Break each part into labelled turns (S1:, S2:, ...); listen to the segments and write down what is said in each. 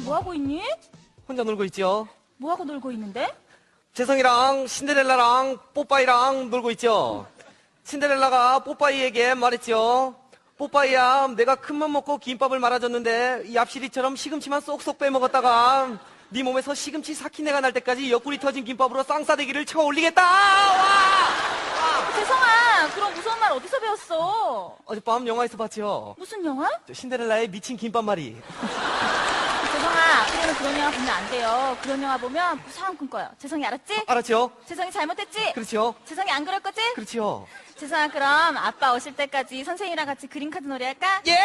S1: 뭐하고 있니?
S2: 혼자 놀고 있죠.
S1: 뭐하고 놀고 있는데?
S2: 재성이랑 신데렐라랑 뽀빠이랑 놀고 있죠. 신데렐라가 뽀빠이에게 말했죠. 뽀빠이야, 내가 큰맘 먹고 김밥을 말아줬는데 이 앞시리처럼 시금치만 쏙쏙 빼먹었다가 네 몸에서 시금치 사키네가 날 때까지 옆구리 터진 김밥으로 쌍싸대기를 쳐 올리겠다. 와!
S1: 재성아, 그럼 무서운 말 어디서 배웠어?
S2: 어젯밤 영화에서 봤죠.
S1: 무슨 영화?
S2: 저 신데렐라의 미친 김밥말이.
S1: 재성아, 앞으로는 그런 영화 보면 안 돼요. 그런 영화 보면 무서운 꿈 꿔요. 재성이 알았지?
S2: 알았죠?
S1: 재성이 잘못했지?
S2: 그렇죠.
S1: 재성이 안 그럴 거지?
S2: 그렇죠.
S1: 재성아, 그럼 아빠 오실 때까지 선생님이랑 같이 그림카드 놀이 할까?
S2: 예!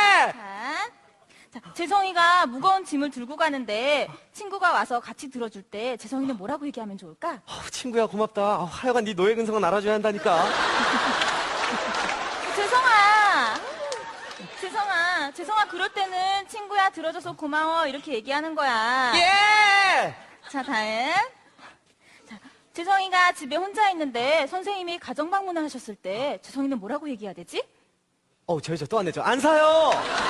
S1: 자, 재성이가 무거운 짐을 들고 가는데 친구가 와서 같이 들어줄 때 재성이는 뭐라고 얘기하면 좋을까?
S2: 친구야 고맙다. 하여간 네 노예 근성은 알아줘야 한다니까.
S1: 재성아, 그럴 때는 친구야 들어줘서 고마워 이렇게 얘기하는 거야.
S2: 예!
S1: 자, 다음. 자, 재성이가 집에 혼자 있는데 선생님이 가정 방문을 하셨을 때 재성이는 뭐라고 얘기해야 되지?
S2: 저 또 안 내죠. 안 사요!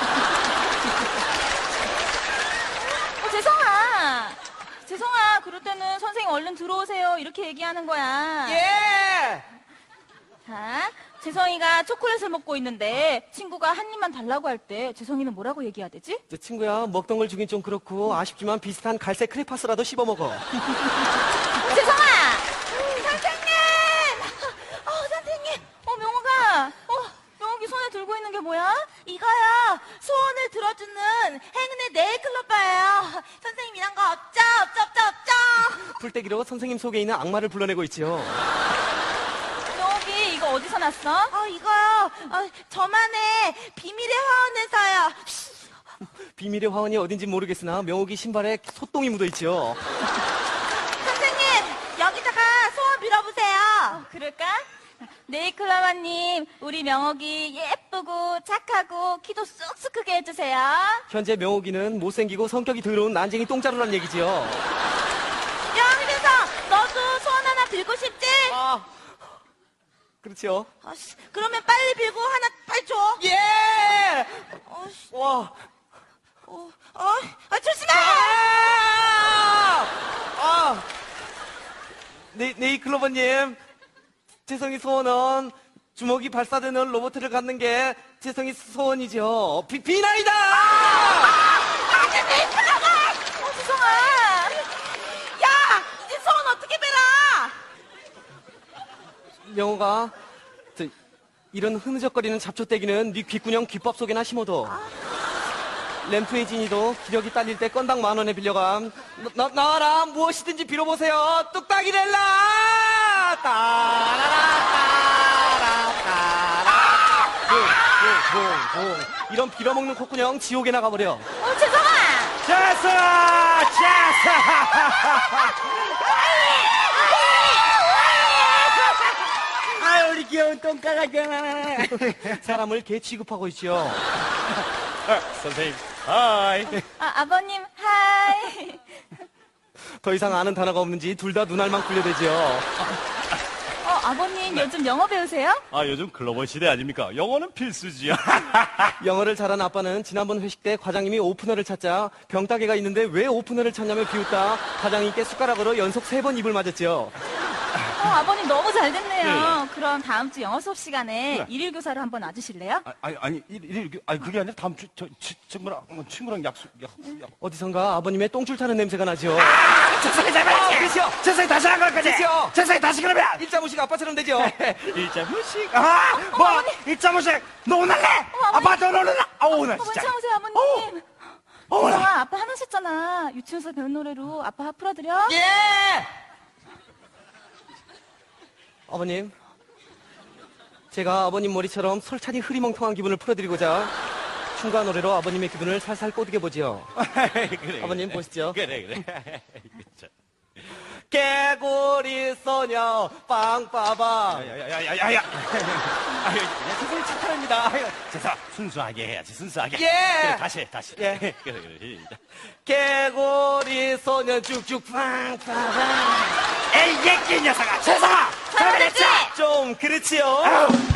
S1: 재성아, 그럴 때는 선생님 얼른 들어오세요 이렇게 얘기하는 거야.
S2: 예!
S1: 자, 재성이가 초콜릿을 먹고 있는데 친구가 한 입만 달라고 할 때 재성이는 뭐라고 얘기해야 되지?
S2: 저 친구야, 먹던 걸 주긴 좀 그렇고 아쉽지만 비슷한 갈색 크레파스라도 씹어 먹어.
S1: 재성아! 선생님! 선생님! 명옥이 손에 들고 있는 게 뭐야?
S3: 이거요. 소원을 들어주는 행운의 네일클로버예요. 선생님 이런 거 없죠? 없죠?
S2: 풀떼기로 선생님 속에 있는 악마를 불러내고 있죠.
S1: 명옥이 이거 어디서 났어?
S3: 이거요. 저만의 비밀의 화원에서요.
S2: 비밀의 화원이 어딘지 모르겠으나 명옥이 신발에 소똥이 묻어있죠.
S3: 선생님 여기다가 소원 빌어보세요.
S1: 그럴까? 네이클로버님, 우리 명옥이 예쁘고 착하고 키도 쑥쑥 크게 해주세요.
S2: 현재 명옥이는 못생기고 성격이 더러운 난쟁이 똥자루란 얘기지요.
S3: 야, 희대성 너도 소원 하나 빌고 싶지?
S2: 그렇죠.
S3: 그러면 빨리 빌고 하나 빨리 줘.
S2: 예! 와.
S3: 조심해!
S2: 네이클로버님, 재성이 소원은 주먹이 발사되는 로봇을 갖는 게 재성이 소원이죠. 비나이다!
S1: 재성아!
S3: 야! 이제 소원 어떻게 빌어?
S2: 명호가 이런 흐느적거리는 잡초떼기는 네 귓구녕 귓밥 속에나 심어둬. 램프의 진이도 기력이 딸릴 때 건당 10,000원에 빌려감. 나와라, 무엇이든지 빌어보세요. 뚝딱이 렐라! 따라따라 이런 빌어먹는 콧구녕 지옥에 나가버려.
S1: 재성아!
S2: 재성아!
S4: 우리 귀여운 똥강아지야.
S2: 사람을 개 취급하고 있죠.
S4: 선생님, 하이.
S1: 아버님, 하이.
S2: 더 이상 아는 단어가 없는지 둘 다 눈알만 굴려대죠.
S1: 아버님, 요즘 영어 배우세요?
S4: 요즘 글로벌 시대 아닙니까? 영어는 필수지요.
S2: 영어를 잘한 아빠는 지난번 회식 때 과장님이 오프너를 찾자 병따개가 있는데 왜 오프너를 찾냐며 비웃다 과장님께 숟가락으로 연속 3번 입을 맞았죠.
S1: 아버님 너무 잘 됐네요.
S4: 네.
S1: 그럼 다음 주 영어 수업 시간에
S4: 네.
S1: 일일 교사로 한번 와주실래요?
S4: 그게 아니라 다음 주, 친구랑 약속.
S2: 어디선가 아버님의 똥줄 타는 냄새가 나죠.
S4: 재성이 잘못했지!
S2: 그렇죠.
S4: 재성이 다시 한 걸 거지!
S2: 그렇죠.
S4: 재성이 다시 그러면!
S2: 일자무식 아빠처럼 되죠.
S4: 일자무식.
S1: 어머니.
S4: 일자무식! 너 오늘래!
S1: 어머니.
S4: 아빠 너 오늘래! 나
S1: 왜
S4: 진짜.
S1: 참으세요, 아버님?
S4: 어머나.
S1: 재성아, 아빠 하나셨잖아. 유치원에서 배운 노래로 아빠 풀어드려?
S2: 예! 아버님, 제가 아버님 머리처럼 솔찬히 흐리멍텅한 기분을 풀어드리고자 춤과 노래로 아버님의 기분을 살살 꼬드겨보지요.
S4: 그래,
S2: 아버님 보시죠.
S4: 그래.
S2: 개구리 소녀 빵빠방.
S4: 야야야야야야. 재성이 착하랍니다. 재성 순수하게 해야지 순수하게.
S2: 예.
S4: 그래 다시.
S2: 예.
S4: 그래 시작.
S2: 개구리 소녀 쭉쭉 빵빠방.
S4: 에이 예끼 녀석아 재성아 잘못했지.
S2: 좀 그렇지요.
S4: 아우.